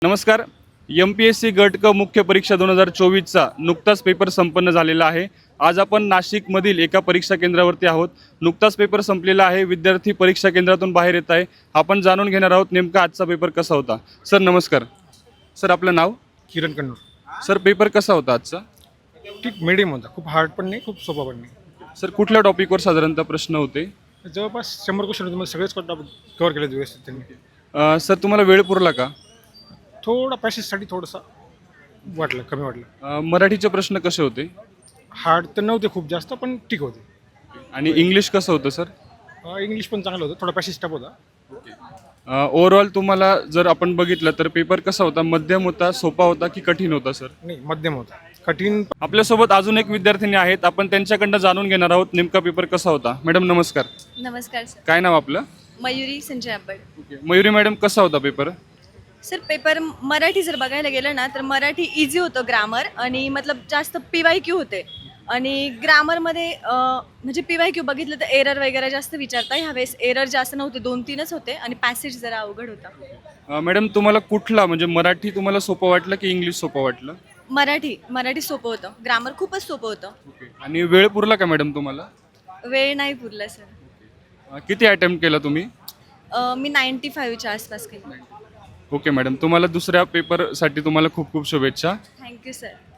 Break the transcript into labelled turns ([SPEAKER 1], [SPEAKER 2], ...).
[SPEAKER 1] नमस्कार. MPSC गट क मुख्य परीक्षा 2024चा नुकताच पेपर संपन्न झालेला आहे. आज आपण नाशिकमधील एका परीक्षा केंद्रावरती आहोत. नुकताच पेपर संपलेला आहे. विद्यार्थी परीक्षा केंद्रातून बाहेर येत आहे. आपण जाणून घेणार आहोत नेमका आजचा पेपर कसा होता. सर नमस्कार. सर आपलं नाव?
[SPEAKER 2] किरण कन्नूर.
[SPEAKER 1] सर पेपर कसा होता आजचा?
[SPEAKER 2] ठीक मीडियम होता, खूप हार्ड पण नाही, खूप सोपा पण नाही.
[SPEAKER 1] सर कुठल्या टॉपिकवर साधारणतः प्रश्न होते?
[SPEAKER 2] जवळपास 100 क्वेश्चन होते, मला सगळेच कव्हर केले व्यवस्थित त्यांनी.
[SPEAKER 1] सर तुम्हाला वेळ पुरला का?
[SPEAKER 2] थोडा पॅसेजसाठी थोडंसं वाटलं, कमी वाटलं.
[SPEAKER 1] मराठीचे प्रश्न कसे होते?
[SPEAKER 2] हार्ड तर नव्हते खूप जास्त, पण ठीक होते.
[SPEAKER 1] आणि इंग्लिश कसं होतं सर?
[SPEAKER 2] इंग्लिश पण चांगलं होतं, थोडा पॅसेज टफ होता.
[SPEAKER 1] ओव्हरऑल तुम्हाला जर आपण बघितलं तर पेपर कसा होता? मध्यम होता, सोपा होता की कठीण होता सर?
[SPEAKER 2] नाही, मध्यम होता. कठीण
[SPEAKER 1] आपल्यासोबत अजून एक विद्यार्थिनी आहेत. आपण त्यांच्याकडनं जाणून घेणार आहोत नेमका पेपर कसा होता. मॅडम नमस्कार.
[SPEAKER 3] नमस्कार सर.
[SPEAKER 1] काय नाव आपलं?
[SPEAKER 3] मयुरी संजय आंबड.
[SPEAKER 1] मयुरी मॅडम कसा होता पेपर?
[SPEAKER 3] सर पेपर मराठी जर बघायला गेलं ना तर मराठी इझी होतं, ग्रामर आणि मतलब जास्त PYQ होते. आणि ग्रामरमध्ये म्हणजे PYQ बघितलं तर एरर वगैरे जास्त विचारता. ह्यावेळेस एरर जास्त नव्हते, 2-3च होते आणि पॅसेज जरा अवघड होता.
[SPEAKER 1] मॅडम तुम्हाला कुठला म्हणजे मराठी तुम्हाला सोपं वाटलं की इंग्लिश सोपं वाटलं?
[SPEAKER 3] मराठी सोपं होतं, ग्रामर खूपच सोपं होतं.
[SPEAKER 1] आणि वेळ पुरला का मॅडम तुम्हाला?
[SPEAKER 3] वेळ नाही पुरला सर.
[SPEAKER 1] किती अटेम्प्ट केला तुम्ही?
[SPEAKER 3] मी 95च्या आसपास केली.
[SPEAKER 1] ओके मॅडम, तुम्हाला दुसऱ्या पेपरसाठी तुम्हाला खूप खूप शुभेच्छा.
[SPEAKER 3] Thank you sir.